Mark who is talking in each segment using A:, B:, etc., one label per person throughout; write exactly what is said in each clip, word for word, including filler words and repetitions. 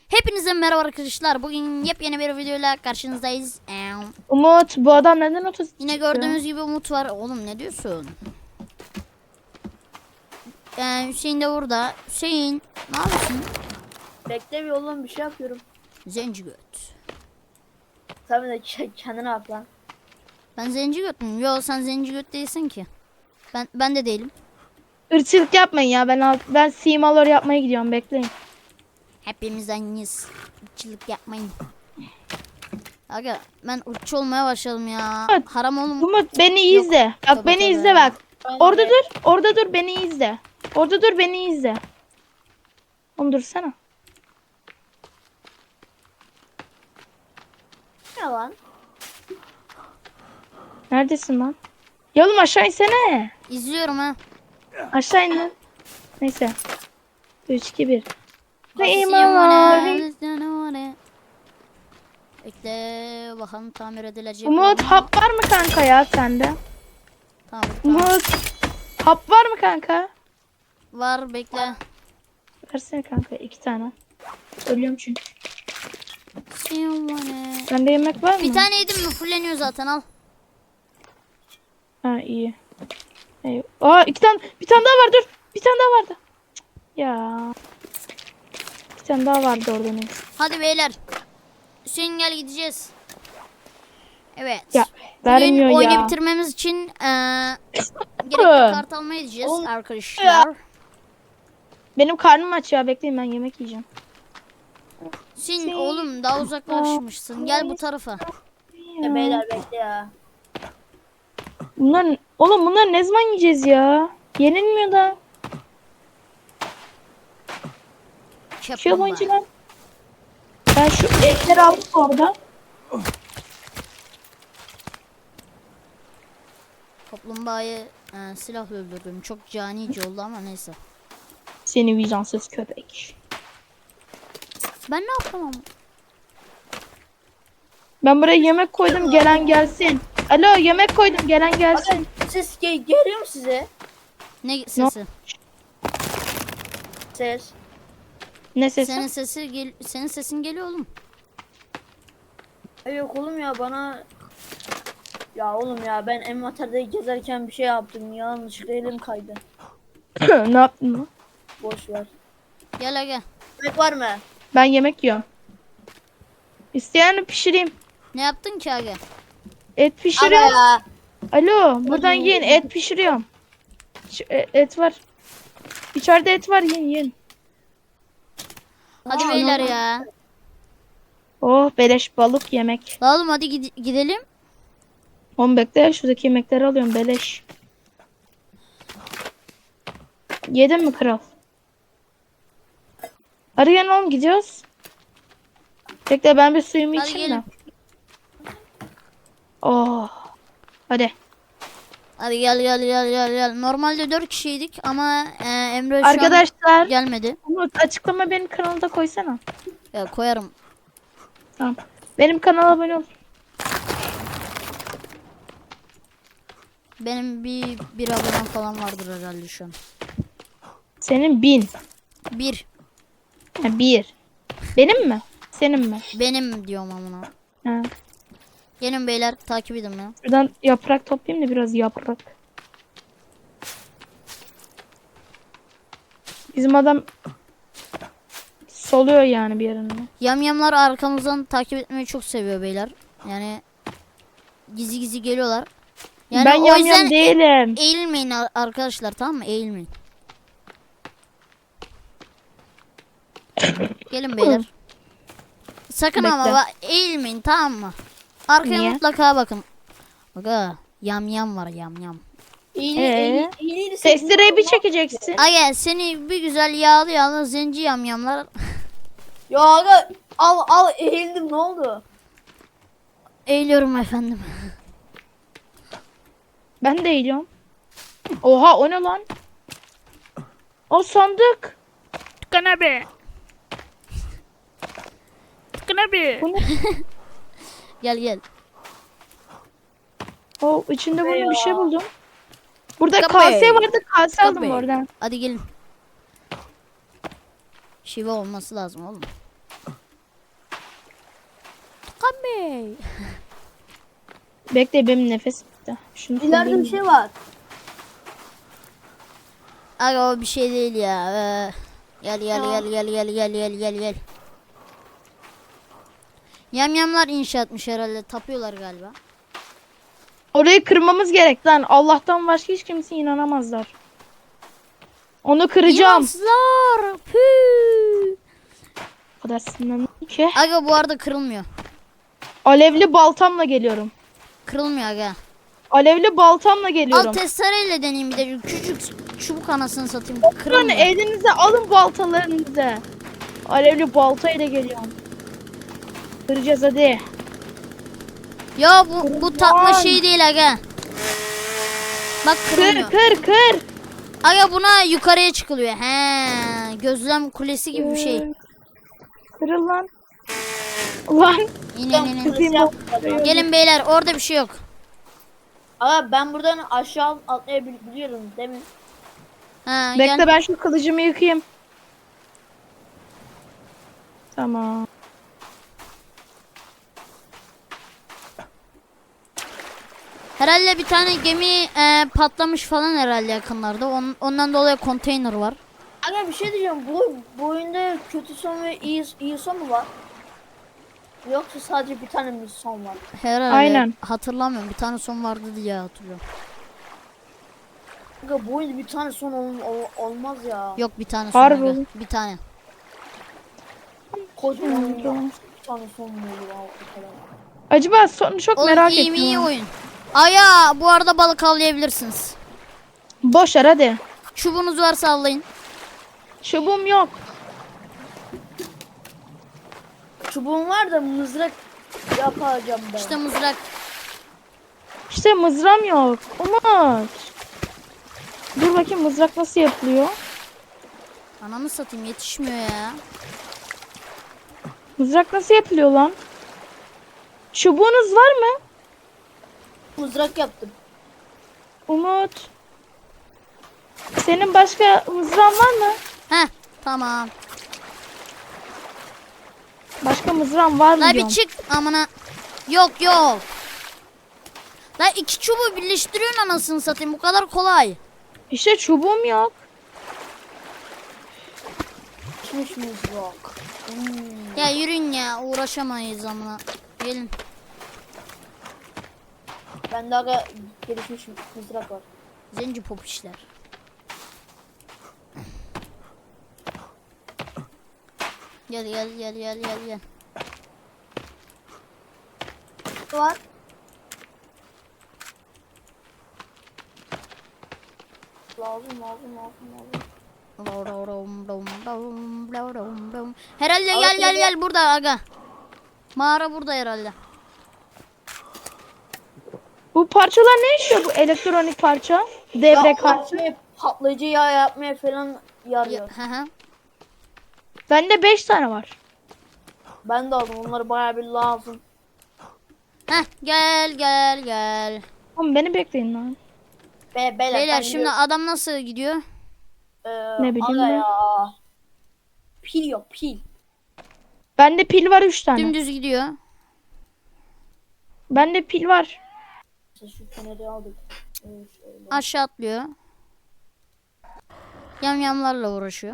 A: Hepinize merhaba arkadaşlar. Bugün yepyeni bir videoyla karşınızdayız. Eee,
B: Umut, bu adam neden otuz
A: Yine
B: çıktı?
A: gördüğünüz gibi Umut var. Oğlum ne diyorsun? Ee, Hüseyin de burada. Hüseyin ne yapıyorsun?
C: Bekle bir oğlum, bir şey yapıyorum.
A: Zenci göt.
C: Tabii de ke- kendine bak lan.
A: Ben zenci göt müyüm? Yo, sen zenci göt değilsin ki. Ben ben de değilim.
B: Irkçılık yapmayın ya. Ben alt, ben simalar yapmaya gidiyorum. Bekleyin.
A: Hepimiz aynıyız. Irkçılık yapmayın. Aga ben ırkçı olmaya başladım ya.
B: Evet.
A: Haram oğlum.
B: Umut beni
A: Yok.
B: izle. Bak
A: Tabii,
B: beni
A: tabii.
B: izle bak.
C: Ben
B: Orada
C: de-
B: dur. Orada dur beni izle. Orada dur beni izle. Oğlum dursana.
C: Ne lan?
B: Neredesin lan? Ya oğlum aşağı insene.
A: İzliyorum ha.
B: Aşağı in lan. Neyse. üç iki bir. Ve
A: Simone,
B: imavari.
A: Simone. Bekle bakalım tamir edilecek.
B: Umut
A: mi?
B: hap var mı kanka ya sende?
A: Tamam, tamam.
B: Umut hap var mı kanka?
A: Var, bekle.
B: Versene kanka iki tane. Ölüyorum çünkü.
A: Simone.
B: Sende yemek var mı?
A: Bir tane yedim mi fulleniyor zaten, al.
B: Ha iyi. Ey- Aa iki tane bir tane daha var dur. Bir tane daha vardı. Cık, ya. Bir tane daha vardı orada ne?
A: Hadi beyler. Hüseyin gel, gideceğiz. Evet.
B: Ya
A: Bugün
B: vermiyor
A: oyunu
B: ya.
A: bitirmemiz için eee gerekli kart almaya gideceğiz
C: Oğlum,
A: arkadaşlar.
B: Benim karnım aç ya bekleyin ben yemek yiyeceğim.
A: Hüseyin oğlum daha uzaklaşmışsın. Gel bu tarafa.
C: Ya beyler bekle ya.
B: Bunlar oğlum bunlar ne zaman yiyeceğiz ya? Yenilmiyor da. Şu
A: Kaplumbağa.
B: oyuncular. Ben şu etleri aldım orada.
A: Kaplumbağayı eee, silahla öldürdüm. Çok canice oldu ama neyse.
B: Seni vicdansız köpek.
A: Ben ne yaptım ama?
B: Ben buraya yemek koydum gelen gelsin. Alo yemek koydum gelen gelsin.
C: Bakın ses ge- geliyor mu size?
A: Ne sesi?
C: Ses.
B: Ne sesi?
A: Senin sesi gel senin sesin geliyor oğlum.
C: Ay yok oğlum ya, bana... Ya oğlum ya, ben envanterde gezerken bir şey yaptım. Yanlışlıkla elim kaydı.
B: Ne yaptın lan?
C: Boş ver.
A: Gel gel.
C: Yemek var mı?
B: Ben yemek yiyorum. İsteyen pişireyim.
A: Ne yaptın ki aga?
B: Et
C: Aga
B: pişiriyorum.
C: ya.
B: Alo buradan yiyin et pişiriyorum. Şu, e- et var. İçeride et var yiyin yiyin.
A: Hadi
C: Aa,
A: beyler
C: normal.
A: ya.
B: Oh beleş balık yemek.
A: La oğlum hadi gid- gidelim.
B: On bekle şuradaki yemekleri alıyorum beleş. Yedin mi kral? Hadi gel oğlum gidiyoruz. Bekle ben bir suyumu
A: Hadi
B: içeyim
A: gelin.
B: de. Oh. Hadi.
A: Hadi gel gel gel gel gel. Normalde dört kişiydik ama e, Emre şu an
B: Arkadaşlar.
A: gelmedi.
B: Umut açıklama benim kanalda koysana.
A: Ya koyarım.
B: Tamam. Benim kanala abone ol.
A: Benim bir bir abonem falan vardır herhalde şu an.
B: Senin bin.
A: Bir.
B: Ha, bir. Benim mi? Senin mi?
A: Benim diyorum amına.
B: Ha.
A: Gelin beyler, takip edin ya.
B: Şuradan yaprak toplayayım da biraz yaprak. Bizim adam soluyor yani bir yerinde.
A: Yamyamlar arkamızdan takip etmeyi çok seviyor beyler. Yani gizli gizli geliyorlar. Yani
B: ben
A: o
B: yam
A: yüzden
B: yam değilim.
A: eğilmeyin ar- arkadaşlar, tamam mı? Eğilmeyin. Gelin beyler. Sakın ama
B: Bekle.
A: bak, eğilmeyin, tamam mı? Arkaya
B: Niye?
A: mutlaka bakın. Aga yam yam var, yam yam.
C: İyi,
B: Ee?
C: iyi, iyi, iyi,
B: Testereyi bir çekeceksin.
A: Aga seni bir güzel yağlı yağlı zenci yam yamlar.
C: Ya aga, al al, eğildim, ne oldu?
A: Eğiliyorum efendim.
B: Ben de eğiliyorum. Oha o ne lan? O sandık.
A: Tıkan abi. Tıkan abi.
B: Bu ne?
A: Gel gel.
B: O içinde
C: Ne
B: bunu bir şey
C: ya?
B: buldum. Burada
A: Kapı.
B: kase vardı. Kase aldım
A: Kapı.
B: oradan.
A: Hadi gelin. Şive olması lazım oğlum. Bey.
B: Bekle benim nefes bitti. Şunu
C: İleride
B: koyayım.
C: bir şey var.
A: Aga o bir şey değil ya. Ee, gel gel
C: Ya.
A: gel gel gel gel gel gel gel. Yamyamlar inşaatmış herhalde. Tapıyorlar galiba.
B: Orayı kırmamız gerek lan. Allah'tan başka hiç kimse inanamazlar. Onu kıracağım.
A: İmansızlar. Püh.
B: O kadar sinirlendim ki.
A: Aga bu arada kırılmıyor.
B: Alevli baltamla geliyorum.
A: Kırılmıyor aga.
B: Alevli baltamla
A: Al
B: geliyorum.
A: testereyle deneyeyim bir de. Küçük çubuk anasını satayım.
B: Sonra
A: Kırılmıyor.
B: elinize alın baltalarınızı. Alevli baltayla geliyorum. Kıracağız hadi.
A: Ya bu bu takma
B: Kırılmaz.
A: şey değil aga. Bak
B: Kır
A: kırılmıyor.
B: kır kır.
A: Aga buna yukarıya çıkılıyor. He, gözlem kulesi gibi bir şey.
B: Kır. Kırıl lan. Ulan.
A: İn in in, in.
B: Kızım o-
A: Gelin beyler orada bir şey yok.
C: Ama ben buradan aşağı atlayabiliyorum değil mi?
A: Ha,
B: Bekle
A: gel.
B: ben şu kılıcımı yıkayayım. Tamam.
A: Herhalde bir tane gemi e, patlamış falan herhalde yakınlarda. On, ondan dolayı konteyner var.
C: Aga bir şey diyeceğim. Bu, bu oyunda kötü son ve iyi, iyi son mu var? Yoksa sadece bir tane mi son var?
A: Herhalde.
B: Aynen.
A: Hatırlamıyorum. Bir tane son vardı diye hatırlıyorum.
C: Aga bu oyunda bir tane son ol- ol- olmaz ya.
A: Yok bir tane son.
B: Harbi
A: aga.
B: oğlum.
A: Bir tane.
C: Kocaman oyunda
B: Tamam.
C: bir tane son mu olur abi o kadar?
B: Acaba sonu çok
A: Oğlum
B: merak
A: iyi
B: ettim.
A: mi iyi
B: ha.
A: oyun. Aya bu arada balık avlayabilirsiniz.
B: Boş ver hadi.
A: Çubuğunuz varsa avlayın.
B: Çubuğum yok.
C: Çubuğum var da mızrak yapacağım ben.
A: İşte mızrak.
B: İşte mızram yok. Umut. Dur bakayım mızrak nasıl yapılıyor?
A: Ananı satayım yetişmiyor ya.
B: Mızrak nasıl yapılıyor lan? Çubuğunuz var mı?
C: Mızrak yaptım.
B: Umut. Senin başka mızran var mı?
A: Heh tamam.
B: Başka mızran var mı
A: La bir
B: diyorum.
A: çık amına. Yok yok. La iki çubuğu birleştiriyorsun anasını satayım bu kadar kolay.
B: İşte çubuğum yok.
C: Pişmiş mızrak. Hmm.
A: Ya yürüyün ya uğraşamayız amına. Gelin.
C: Bende aga gelişmiş mızrak var.
A: Zenci pop işler. Gel gel gel gel gel gel.
C: Var. Lazım lazım lazım lazım.
A: Herhalde gel gel gel burada aga. Mağara burada herhalde.
B: Bu parçalar ne işiyor bu elektronik parça? Devre
C: Ya
B: kartı.
C: şey, patlayıcı yağ yapmaya falan yarıyor.
A: Hı hı.
B: Bende beş tane var.
C: Ben de aldım onları bayağı bir lazım.
A: Heh gel gel gel.
B: Oğlum beni bekleyin lan.
C: Be, beyler,
A: Beyler
C: ben
A: şimdi adam nasıl gidiyor?
C: Ee,
B: Ne bileyim
C: aga
B: ben.
C: ya. Pil yok pil.
B: Bende pil var üç tane.
A: Dümdüz gidiyor.
B: Bende pil var.
C: İşte şu feneri aldık. Ee, şöyle.
A: Aşağı atlıyor. Yamyamlarla uğraşıyor.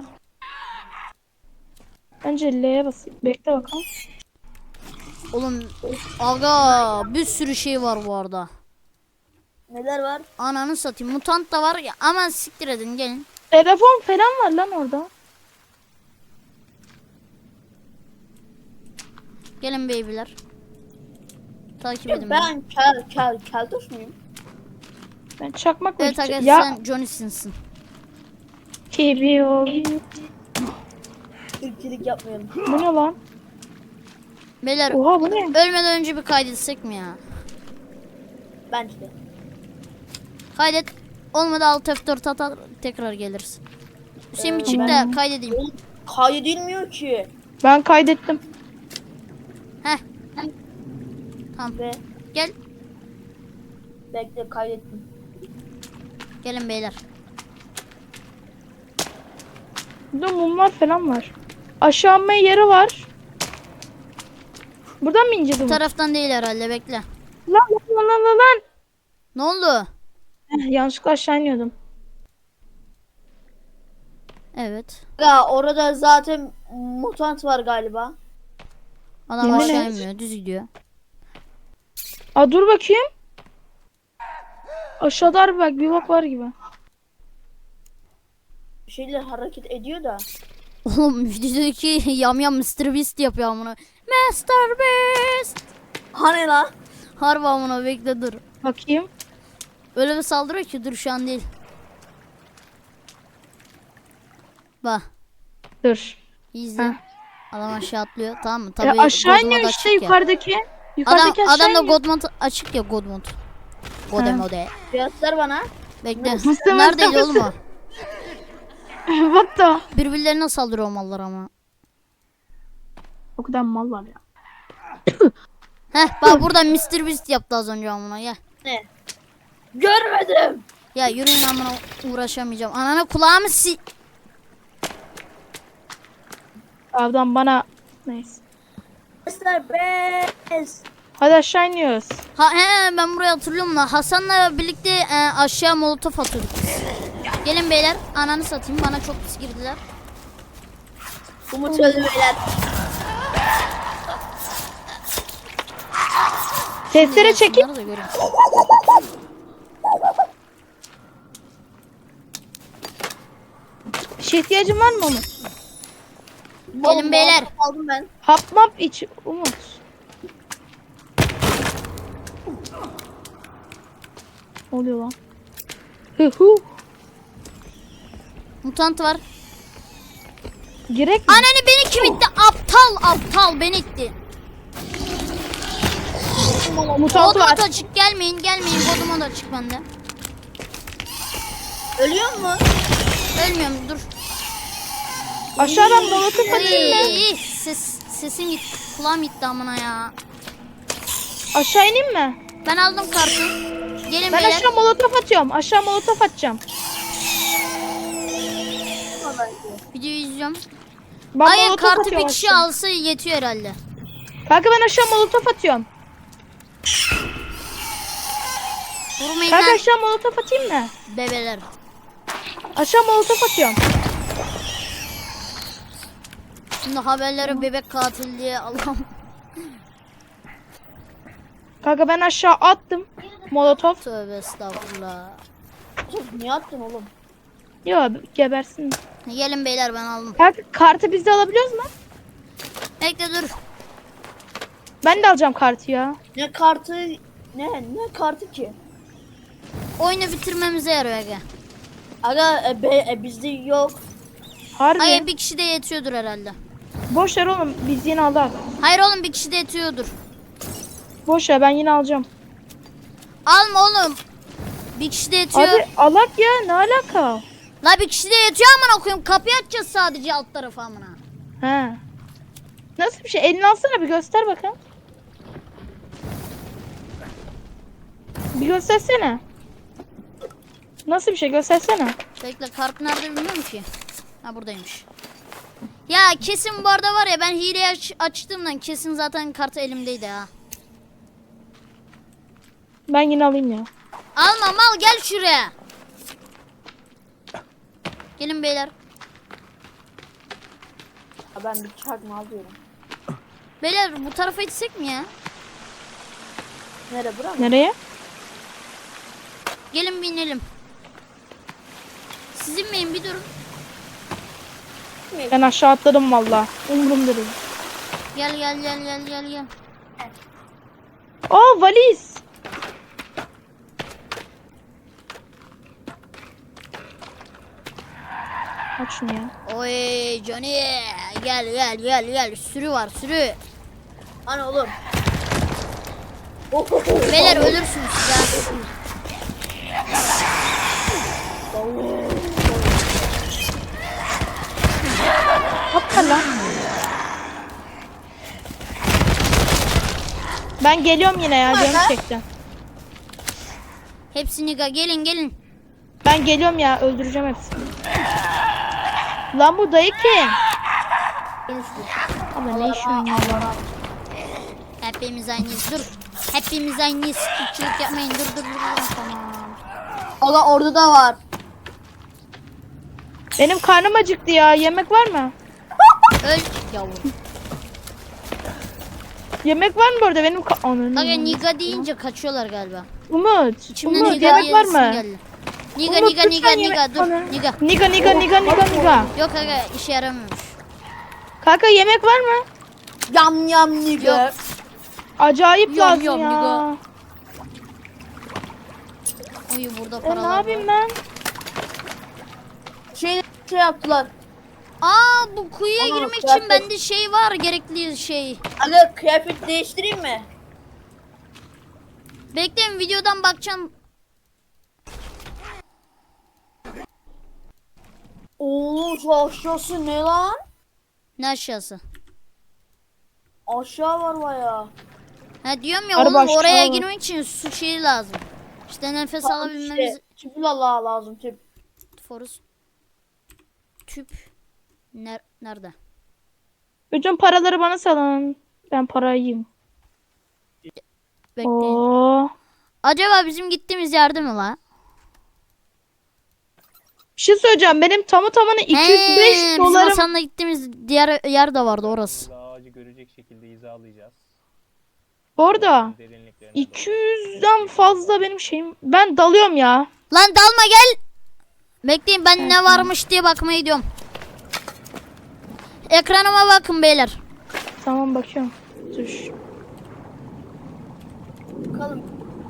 B: Önce L'ye basayım. Bekle bakalım.
A: Oğlum aga bir sürü şey var bu arada.
C: Neler var?
A: Ananı satayım. Mutant da var ya ama siktir edin gelin.
B: Telefon falan var lan orada.
A: Gelin babyler. Takip edin beni.
C: Ben kel kel keltoş muyum?
B: Ben çakmakla
A: Evet aga
B: gideceğim. Ya
A: sen Johnny Sins'in.
B: Kibi o.
C: Irkçılık yapmayalım.
B: Bu ne lan?
A: Beyler
B: Oha bu ne?
A: ölmeden önce bir kaydetsek mi ya?
C: Bence de.
A: Kaydet. Olmadı alt F dört atar tekrar geliriz. Hüseyin bir çık da
B: ben-
A: kaydedeyim.
C: Oğlum kaydedilmiyor ki.
B: Ben kaydettim.
A: Heh. Tamam.
C: Ve
A: Gel.
C: bekle kaydettim.
A: Gelin beyler.
B: Burada mumlar falan var. Aşağı inme yeri var. Buradan mı ineceğiz
A: Bu
B: Umut?
A: taraftan değil herhalde, bekle.
B: Lan lan lan lan lan.
A: Ne oldu?
B: Heh, yanlışlıkla aşağı iniyordum.
A: Evet.
C: Ya orada zaten mutant var galiba.
A: Adam
B: Yemin
A: aşağı
B: et.
A: inmiyor, düz gidiyor.
B: Aa dur bakayım. Aşağıda harbi bak bir bak var gibi.
C: Bir şeyler hareket ediyor da.
A: Oğlum videodaki yam yam mister Beast yapıyor amına. mister Beast.
C: Hani lan?
A: Harbi amına, bekle dur.
B: Bakayım.
A: Öyle bir saldırıyor ki dur, şu an değil. Bak.
B: Dur.
A: İzle.
B: Heh.
A: Adam aşağı atlıyor, tamam mı?
B: Ya
A: Tabii
B: aşağı
A: God
B: iniyor
A: mode
B: işte
A: açık ya.
B: yukarıdaki.
A: Adam,
B: Yukarıdaki aşağı
A: adam da
B: iniyor.
A: God mode açık ya, God mode. Gode
B: Ha.
A: mode.
C: Göster bana.
A: Bekle.
B: Mısır,
A: Neredeydi
B: mısır,
A: oğlum o?
B: What the?
A: Birbirlerine saldırıyor o mallar ama.
B: O kadar mal var ya.
A: Heh bak burada mister Beast yaptı az önce amına, gel.
C: Ne? Görmedim.
A: Ya yürüyün amına, uğraşamayacağım. Ananı kulağımı si...
B: Adam bana neyse.
C: mister Beast.
B: Hadi aşağı iniyoruz.
A: Ha he, ben burayı hatırlıyorum da Hasan'la birlikte e, aşağı molotof atıyorduk. Gelin beyler, ananı satayım, bana çok pis girdiler.
C: Umut öldü beyler.
B: Testere çekip
A: Şunları da görün.
B: bir şey ihtiyacın var mı Umut?
A: Gelin beyler.
C: Aldım ben.
B: Hap map iç Umut. Ne oluyor lan? Hı hı.
A: Mutant var.
B: Gerek mi?
A: Ananı, beni kim itti? Aptal aptal beni itti.
B: Mutant var.
A: Godmode açık, gelmeyin gelmeyin, Godmode açık bende.
C: Ölüyor mu?
A: Ölmüyorum, dur.
B: Aşağıdan molotof atayım mı?
A: Ay, ses, sesim gitti, kulağım gitti amına ya.
B: Aşağı ineyim mi?
A: Ben aldım kartı. Gelin
B: Ben
A: beyler.
B: aşağı molotof atıyorum. Aşağı molotof atacağım.
A: Videoyu izliyorum.
B: Ben
A: Hayır,
B: molotof
A: kartı bir
B: atıyorum
A: kişi
B: aşağı.
A: alsa yetiyor herhalde.
B: Kanka ben aşağı molotof atıyorum.
A: Vurmayın
B: Kanka
A: lan
B: aşağı molotof atayım mı?
A: bebeler.
B: Aşağı molotof atıyorum.
A: Şimdi haberlere bebek katil diye Allah'ım.
B: Kanka ben aşağı attım. Molotof.
A: Tövbe estağfurullah.
C: Niye attın oğlum?
B: Yo gebersin.
A: Gelin beyler, ben aldım.
B: Kanka kartı biz de alabiliyoruz mu?
A: Bekle dur.
B: Ben de alacağım kartı ya.
C: Ne kartı? Ne? Ne kartı ki?
A: Oyunu bitirmemize yarıyor aga.
C: Aga e, be, e, bizde yok.
B: Harbi.
A: Hayır, bir kişi de yetiyordur herhalde.
B: Boş ver oğlum biz yine aldık.
A: Hayır oğlum, bir kişi de yetiyordur.
B: Boş ver ben yine alacağım.
A: Alma oğlum. Bir kişi de yetiyor.
B: Abi alak ya ne alaka?
A: La bir kişi de yetiyor amına koyayım. Kapıyı açacağız sadece alt tarafı amına.
B: He. Nasıl bir şey? Elini alsana bir göster bakalım. Bir göstersene. Nasıl bir şey göstersene.
A: Bekle, kart nerede bilmiyorum ki. Ha, buradaymış. Ya kesin bu arada var ya, ben hileyi aç açtığımdan kesin zaten kartı elimdeydi ha.
B: Ben yine alayım ya.
A: Alma mal, gel şuraya. Gelin beyler.
C: Ha, ben bir çakma alıyorum.
A: Beyler bu tarafa gitsek mi ya?
C: Nere bura mı?
B: Nereye?
A: Gelin bir inelim. Sizin miyim, bir durun.
B: Ben aşağı atladım valla. Umurumda değil.
A: Gel gel gel gel gel gel.
B: Aa valiz. Aç şunu ya.
A: Oy Johnny, gel gel gel gel, sürü var sürü.
C: Hani oğlum?
A: Beyler ölürsünüz siz ha.
B: Yapma lan. Ben geliyorum yine ya canım çekti.
A: Hepsini ga gelin gelin.
B: Ben geliyorum ya öldüreceğim hepsini. Lan bu dayı kim? Ama ne işin ya?
A: Hepimiz aynıyız. Dur. Hepimiz aynıyız. Çocuk yapmayın. Dur dur dur. dur. Tamam.
C: Aga orada da var.
B: Benim karnım acıktı ya. Yemek var mı?
A: Öl yavrum.
B: Yemek var mı burada? Benim ka- Ananı.
A: Aga Niga deyince kaçıyorlar galiba.
B: Umut.
A: İçimden
B: Umut
A: Niga
B: yemek var
A: diyesim
B: mı?
A: geldi. Niga
B: Umut,
A: Niga
B: lütfen
A: Niga
B: yemek-
A: Niga dur.
B: Ana.
A: Niga.
B: Niga niga niga niga niga.
A: Yok aga işe yaramıyormuş.
B: Kanka yemek var mı?
C: Yam yam nigga.
A: Yok.
B: Acayip
A: Yom,
B: lazım
A: yom,
B: ya.
A: niga. Uyu burada
B: E, ne
A: paralar
B: yapayım
A: var.
B: ben?
C: Şey şey yaptılar.
A: Aa bu kuyuya
C: Ana,
A: girmek için
C: kıyafet.
A: bende şey var gerekli şey.
C: Aga kıyafet değiştireyim mi?
A: Bekleyin videodan bakacağım.
C: Oo şu aşağısı ne lan?
A: Ne aşağısı?
C: Aşağı var baya.
A: Ha diyorum ya
B: Araba
A: oğlum
B: aşağı
A: oraya
B: var.
A: girmek için su şeyi lazım. İşte nefes alabilmemiz.
C: Şey, tüpü la lazım tüp.
A: Forus. Tüp. Ner nerede?
B: Bütün paraları bana salın. Ben parayı yiyeyim.
A: Bekleyin.
B: Oo.
A: Acaba bizim gittiğimiz yerde mi la?
B: Bir şey söyleyeceğim. Benim tamı tamına iki yüz beş
A: He, bizim
B: dolarım.
A: Hasan'la gittiğimiz diğer yer de vardı orası.
D: Burada ağacı görecek şekilde hizalayacağız.
B: Orada.
D: Derinliklerine
B: iki yüzden fazla benim şeyim. Ben dalıyorum ya.
A: Lan dalma gel. Bekleyin ben ne varmış diye bakmaya gidiyorum. Ekranıma bakın beyler.
B: Tamam bakıyorum. Dur.
C: Bakalım.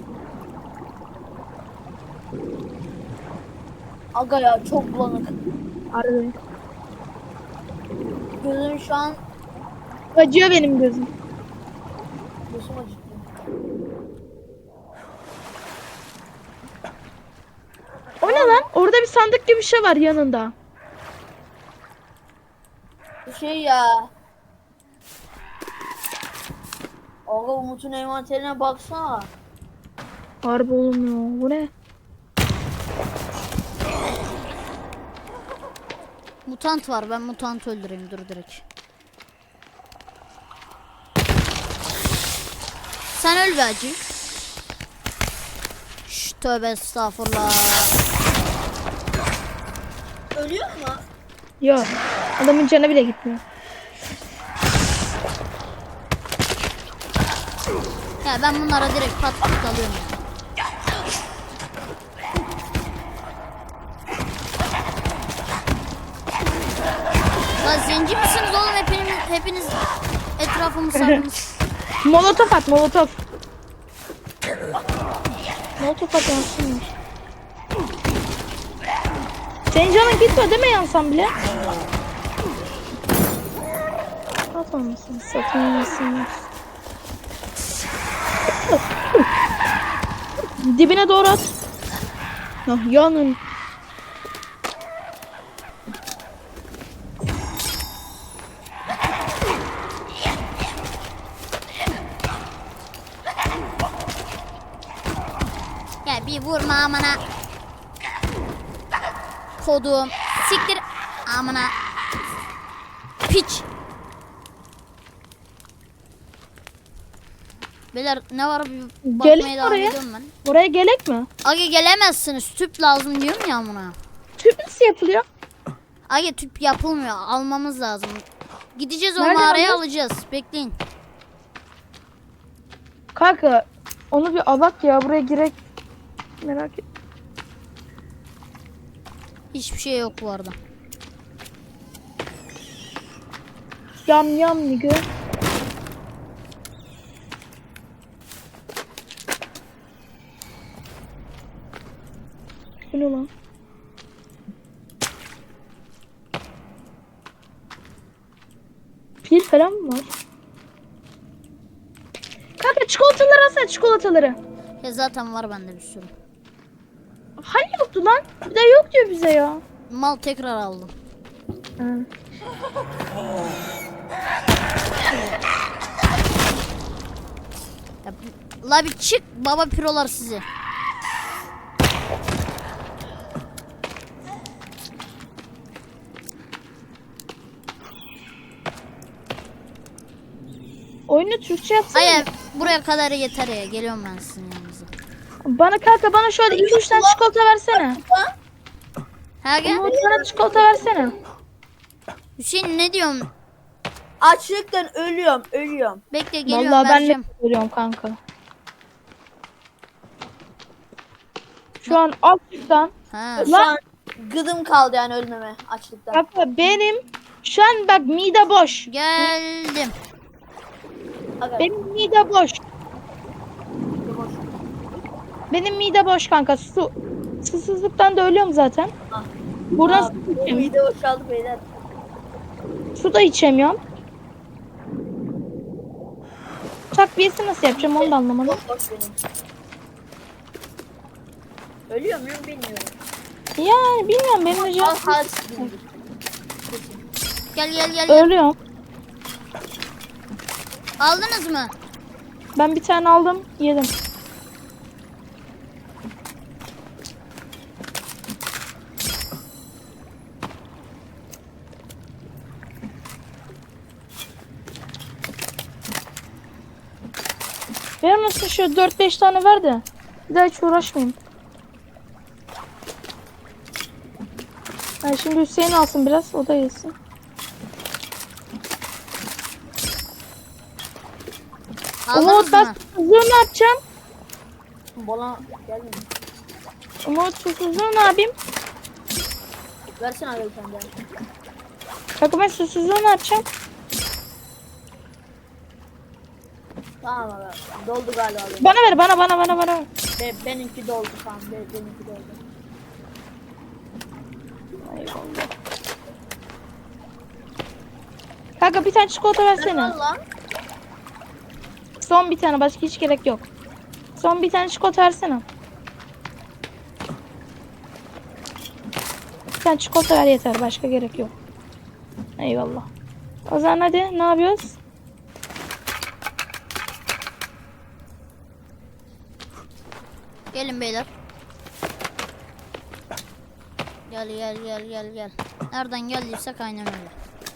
C: Aga ya çok bulanık.
B: Harbi.
C: Gözüm şu an
B: Acıyor benim gözüm.
C: gözüm acıktı.
B: O ne lan? Orada bir sandık gibi bir şey var yanında.
C: Bu şey ya. Aga Umut'un envanterine baksana.
B: Harbi oğlum ya. Bu ne?
A: Mutant var ben mutant öldüreyim dur direkt. Sen öl be acı. Şş, tövbe estağfurullah.
C: Ölüyor mu?
B: Yok. Adamın canı bile gitmiyor.
A: Ya ben bunlara direkt pat pat alıyorum ya. Lan zenci misiniz oğlum hepiniz, hepiniz etrafımı sardınız.
B: Molotof at molotof. Molotof at yansın. Senin canın gitmiyor değil mi yansan bile? Atmamışsın. Satılmasın. Dibine doğru at. Ah, yanın.
A: Ya bir vurma amına. Kodum. Siktir amına. Piç. Beyler ne var bir bakmaya
B: Gelin
A: devam
B: oraya.
A: ediyorum ben.
B: Buraya gerek mi?
A: Aga gelemezsiniz. Tüp lazım diyorum ya amına.
B: Tüp nasıl yapılıyor?
A: Aga tüp yapılmıyor. Almamız lazım. Gideceğiz o
B: Nereden
A: mağaraya
B: alacağız?
A: alacağız. Bekleyin.
B: Kanka onu bir alak ya buraya girek. Merak et.
A: Hiçbir şey yok bu arada.
B: Yam yam nigga. Bu ne lan? Pil falan mı var? Kanka çikolataları alsana çikolataları.
A: Ya zaten var bende bir sürü.
B: Hani yoktu lan? Bir de yok diyor bize ya.
A: Mal tekrar aldım.
B: Ha.
A: Ya, la bir çık baba pirolar sizi.
B: Oyunu Türkçe yapsana.
A: Hayır buraya kadar yeter ya. Geliyorum ben sizin yanınıza.
B: Bana kanka bana şöyle iki üç tane çikolata versene.
A: Ha gel.
B: Umut bana çikolata versene.
A: Hüseyin ne diyorsun?
C: Açlıktan ölüyorum, ölüyorum.
A: Bekle geliyorum
B: Vallahi ben de
A: vereceğim.
B: görüyorum kanka. Şu an açlıktan.
A: Ha.
C: Şu an gıdım kaldı yani ölmeme açlıktan.
B: Kanka benim şu an bak mide boş.
A: Geldim.
C: Aga,
B: Benim mide boş.
C: boş.
B: Benim mide boş kanka. Su susuzluktan da ölüyorum zaten.
C: Ah.
B: Buradan
C: Aa,
B: su,
C: bu
B: içemiyorum.
C: mide boşaldı beyler.
B: Su da içemiyorum. Takviyesi nasıl yapacağım onu da anlamadım.
C: Boş boş benim. Ölüyor muyum bilmiyorum.
B: Yani bilmiyorum benim de
C: Al
B: can
C: halsiz gibidir.
A: Gel gel gel. gel.
B: ölüyorum.
A: Aldınız mı?
B: Ben bir tane aldım yedim. Ver misin şu dört beş tane ver de. Bir daha hiç uğraşmayayım. Yani şimdi Hüseyin alsın biraz o da yesin.
A: Aldınız
B: Umut ben
A: mı?
B: susuzluğu ne yapacağım?
C: Bana gelmiyor.
B: Umut susuzluğu ne yapayım?
C: Versene abi bir tane daha.
B: Kanka ben susuzluğu ne yapacağım?
C: Tamam abi. Doldu galiba benim.
B: Bana ver bana bana bana bana.
C: Be, benimki doldu tamam. Be, benimki doldu.
B: Eyvallah. Kanka bir tane çikolata versene.
C: Valla.
B: Son bir tane başka hiç gerek yok. Son bir tane çikolata versene. Bir tane çikolata ver yeter başka gerek yok. Eyvallah. O zaman hadi ne yapıyoruz?
A: Gelin beyler. Gel gel gel gel gel. Nereden geldiysek aynen öyle.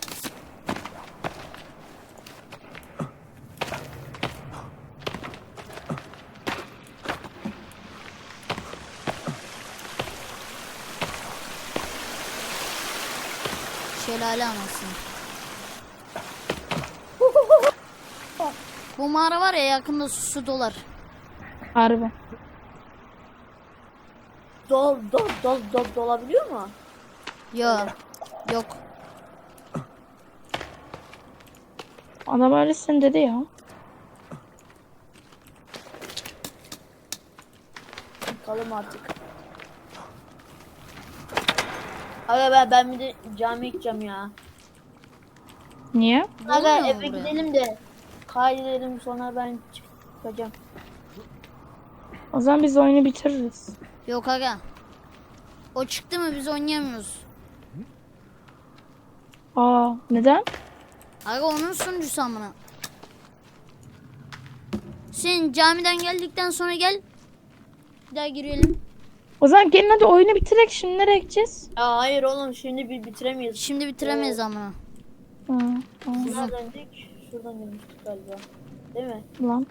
A: Şelale anasını. Bu mağara var ya yakında su, su dolar.
B: Harbi.
C: Dol dol dol dol dolabiliyor mu?
A: Yok. Yok.
B: Adam öylesin dedi ya.
C: Bakalım artık. Aga ben, ben bir de camiye gideceğim ya.
B: Niye?
C: Aga
A: Olmuyor
C: eve
A: buraya.
C: gidelim de kaydedelim sonra ben çıkacağım.
B: O zaman biz oyunu bitiririz.
A: Yok aga. O çıktı mı biz oynayamıyoruz.
B: Aa neden?
A: Aga onun sunucusu amına. Sen camiden geldikten sonra gel. Bir daha girelim.
B: O zaman gelin hadi oyunu bitirek şimdi nereye gideceğiz?
C: Ya hayır oğlum şimdi bir bitiremeyiz.
A: Şimdi bitiremeyiz amına.
B: Hı, tamam
C: Şuradan döndük. Şuradan dönmüştük galiba. Değil mi?
B: lan.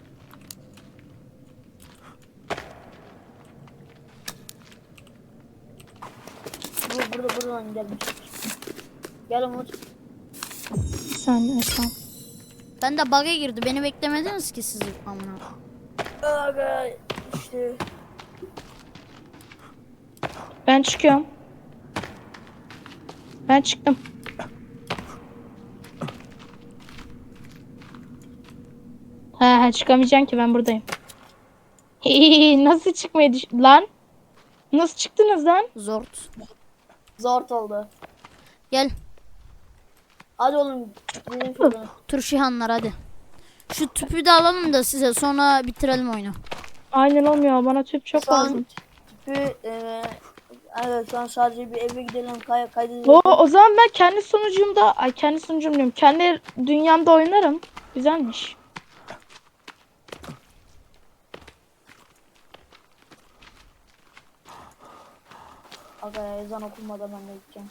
C: Bu burada buradan gelmiştik. Gel Umut.
B: Bir saniye tamam.
A: Ben de bug'a girdi. Beni beklemediniz ki siz amına.
C: Aga işte.
B: Ben çıkıyorum. Ben çıktım. Ha, ha çıkamayacaksın ki ben buradayım. Nasıl çıkmayı düş... Lan? Nasıl çıktınız lan?
A: Zort.
C: Zor oldu.
A: Gel.
C: Hadi oğlum. Gidelim şuradan.
A: Turşihanlar hadi. Şu tüpü de alalım da size sonra bitirelim oyunu.
B: Aynen olmuyor. Bana tüp çok
C: Şu an
B: lazım.
C: tüpü eee evet şu an sadece bir eve gidelim kay kaydedelim.
B: O, o zaman ben kendi sunucumda, ay kendi sunucum diyorum. Kendi dünyamda oynarım. Güzelmiş.
C: Aga ezan okunmadan ben de gideceğim.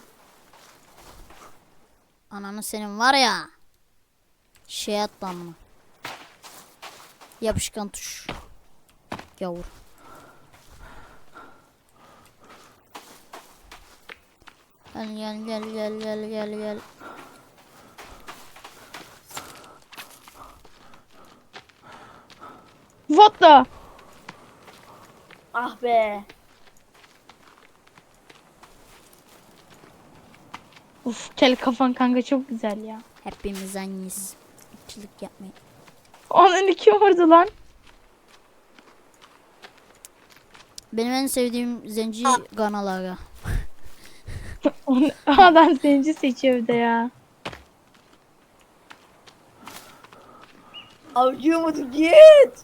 A: Ananı senin var ya. Şey atlanma. Yapışkan tuş. Yavur. Gel gel gel gel gel gel gel.
B: What the?
C: Ah be.
B: Uf kel kafan kanka çok güzel ya.
A: Hepimiz aynıyız. İkilik yapmayın.
B: Onun iki vurdu lan.
A: Benim en sevdiğim zenci Ganalara.
B: Onu- Adam zenci seçiyor bir de ya.
C: Avcı Umut git.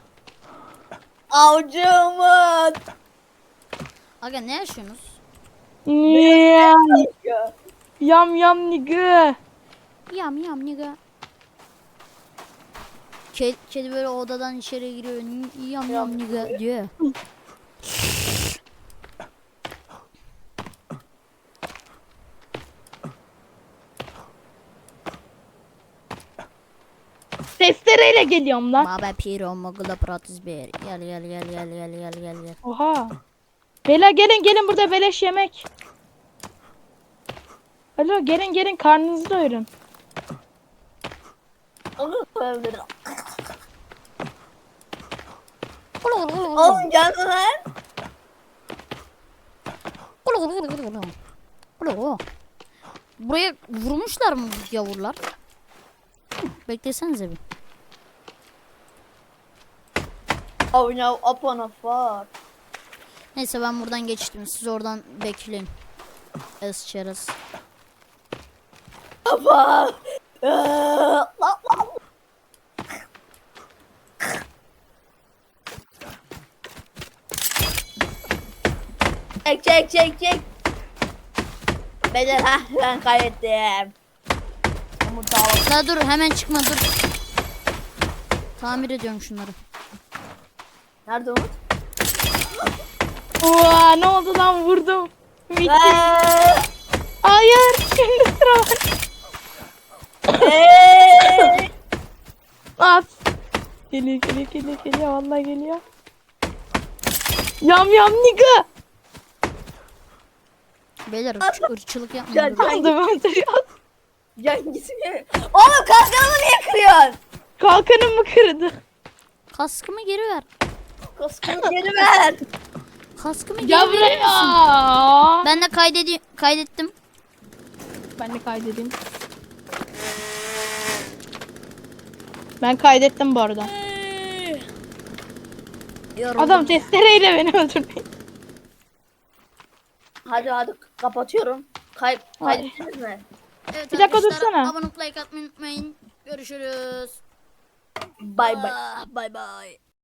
C: Avcı Umut.
A: Aga ne yaşıyorsunuz?
B: Yam
C: Ya.
B: yam yam nigga.
A: Yam yam niga. Kedi, kedi böyle odadan içeri giriyor. "N- Yam yam niga diyor.
B: Testereyle geliyorum lan.
A: Baba piro mogula pratis ber. Gel gel gel gel gel gel gel gel.
B: Oha. Bela gelin gelin burada beleş yemek. Alo gelin gelin karnınızı doyurun.
C: Onu söyledim.
A: Ulu ulu ulu ulu.
C: Oğlum gel lan.
A: Ulu ulu ulu ulu ulu. Ulu ulu. Buraya vurmuşlar mı bu yavrular? Hı, beklesenize bir.
C: Oh no, up on a fuck.
A: Neyse ben buradan geçtim. Siz oradan bekleyin. Es çerez.
C: Baba. Eee, lan lan. Çek çek çek çek. Beyler ha ben kaybettim. Umut dağıldı.
A: La dur hemen çıkma dur. Tamir ediyorum şunları.
C: Nerede Umut?
B: Oha ne oldu lan vurdum. Bitti.
C: Eee,
B: Hayır şimdi sıra var.
C: eee.
B: At. Geliyor geliyor geliyor geliyor vallahi geliyor. Yam yam nigga.
A: Beyler ırç- ırkçılık yapmayın.
C: Gel,
A: dur.
C: gel.
B: Aldım aldım.
C: Hangisi mi? Oğlum kalkanımı niye kırıyorsun?
B: Kalkanım mı kırdı?
A: Kaskımı geri ver.
C: Kaskımı geri ver.
A: Kaskımı geri
B: Gel
A: verir misin?
B: buraya.
A: Ben de kaydedi kaydettim.
B: Ben de kaydedeyim. Ben kaydettim bu arada.
A: Yoruldum.
B: Adam testereyle beni öldürdü.
C: Hadi hadi kapatıyorum. Kay
B: Ay.
C: kaydettiniz mi?
A: Evet,
B: Bir dakika
A: arkadaşlar,
B: dursana.
A: abone olup like atmayı unutmayın. Görüşürüz.
C: Bay bay.
A: Ah, Bye bye.